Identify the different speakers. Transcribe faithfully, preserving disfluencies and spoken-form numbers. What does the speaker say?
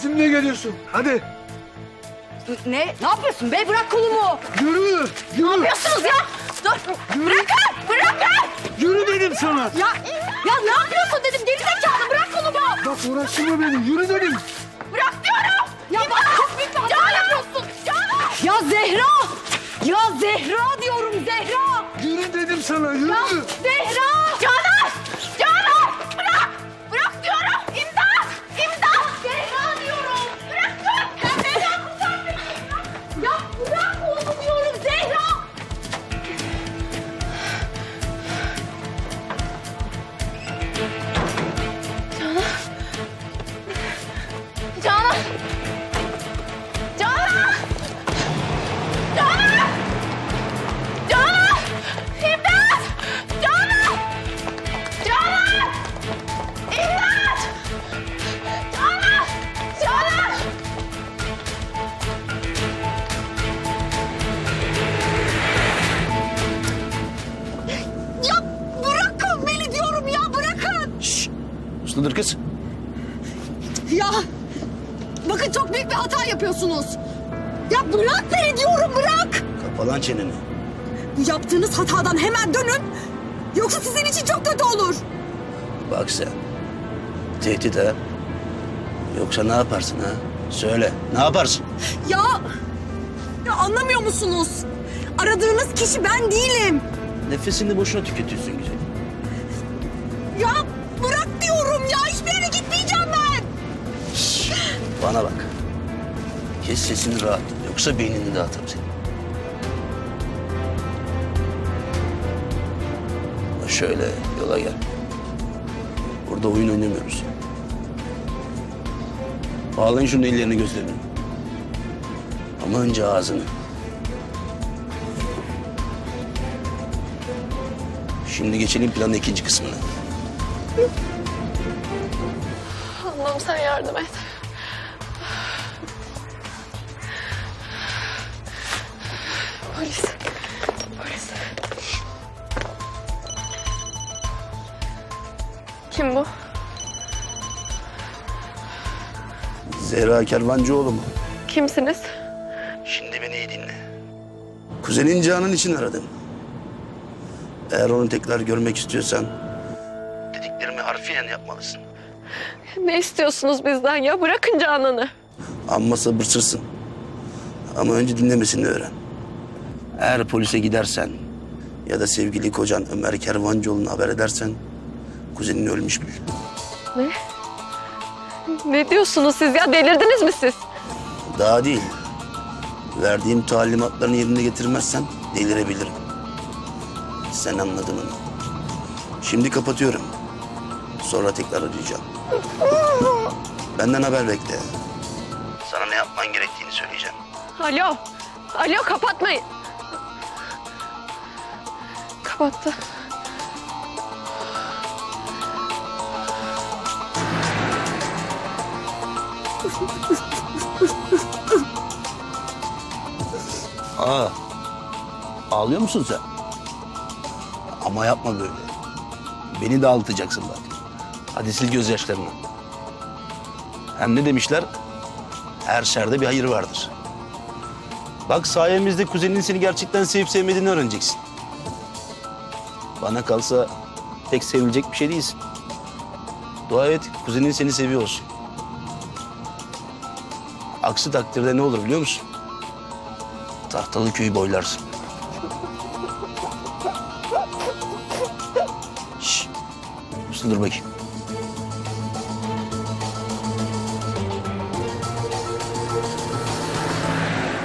Speaker 1: Bizimle geliyorsun. Hadi.
Speaker 2: Ne? Ne yapıyorsun be? Bırak kolumu.
Speaker 1: Yürü. Yürü.
Speaker 2: Ne yapıyorsunuz ya? Dur. Bırakın. Bırakın.
Speaker 1: Yürü dedim sana.
Speaker 2: Ya, ya ne yapıyorsun dedim. Geri zekalı bırak kolumu.
Speaker 1: Bak uğraştırma beni. Yürü dedim.
Speaker 2: Bırak diyorum. Ya bak çok büyük bir hata yapıyorsun. Canan. Ya Zehra. Ya Zehra diyorum Zehra.
Speaker 1: Yürü dedim sana. Yürü.
Speaker 2: Ya Zehra. Canan. Canan. Bırak. Bırak diyorum. İmdat. İmdat. Zehra diyorum. Bırak. Ya Zehra kurtar beni. Ya bırak oğlum diyorum Zehra. Canan. Canan. Canan. Canan. İmdat. Canan. Canan. İmdat. Canan. Canan. Ya bırakın beni diyorum ya bırakın.
Speaker 3: Şşş! Usludur kız.
Speaker 2: Ya bakın çok büyük bir hata yapıyorsunuz. Ya bırak beni diyorum bırak.
Speaker 3: Kapa lan çeneni.
Speaker 2: Bu yaptığınız hatadan hemen dönün. Yoksa sizin için çok kötü olur.
Speaker 3: Bak sen. Tehdit ha. Yoksa ne yaparsın ha? Söyle. Ne yaparsın?
Speaker 2: Ya, ya anlamıyor musunuz? Aradığınız kişi ben değilim.
Speaker 3: Nefesini boşuna tüketiyorsun güzel.
Speaker 2: Ya bırak diyorum ya hiçbir yere gitmeyeceğim ben.
Speaker 3: Şşş! Bana bak. Kes sesini rahat. Yoksa beynini dağıtırım seni. Şöyle yola gel. Burada oyun oynamıyoruz. Bağlayın şunun ellerini gözlerini. Ama önce ağzını. Şimdi geçelim planın ikinci kısmına.
Speaker 4: Allah'ım sen yardım et. Polis. Polis. Kim bu?
Speaker 3: Zehra Kervancıoğlu mu?
Speaker 4: Kimsiniz?
Speaker 3: Şimdi beni iyi dinle. Kuzenin Canan için aradım. Eğer onu tekrar görmek istiyorsan dediklerimi harfiyen yapmalısın.
Speaker 4: Ne istiyorsunuz bizden ya? Bırakın Canan'ı.
Speaker 3: Amma sabırsızsın. Ama önce dinlemesini öğren. Eğer polise gidersen ya da sevgili kocan Ömer Kervancıoğlu'na haber edersen kuzenin ölmüş bil.
Speaker 4: Ne? Ne diyorsunuz siz ya? Delirdiniz mi siz?
Speaker 3: Daha değil. Verdiğim talimatlarını yerine getirmezsen delirebilirim. Sen anladın onu. Şimdi kapatıyorum. Sonra tekrar arayacağım. Benden haber bekle. Sana ne yapman gerektiğini söyleyeceğim.
Speaker 4: Alo. Alo kapatmayın. Kapattı.
Speaker 3: Aa, ağlıyor musun sen? Ama yapma böyle. Beni de ağlatacaksın bak. Hadi sil gözyaşlarını. Hem ne demişler? Her şerde bir hayır vardır. Bak sayemizde kuzeninin seni gerçekten sevip sevmediğini öğreneceksin. Bana kalsa pek sevilecek bir şey değilsin. Dua et kuzenin seni seviyor olsun. Aksi takdirde ne olur biliyor musun? Tahtalı köyü boylarsın. Şşş. Uslu dur bakayım.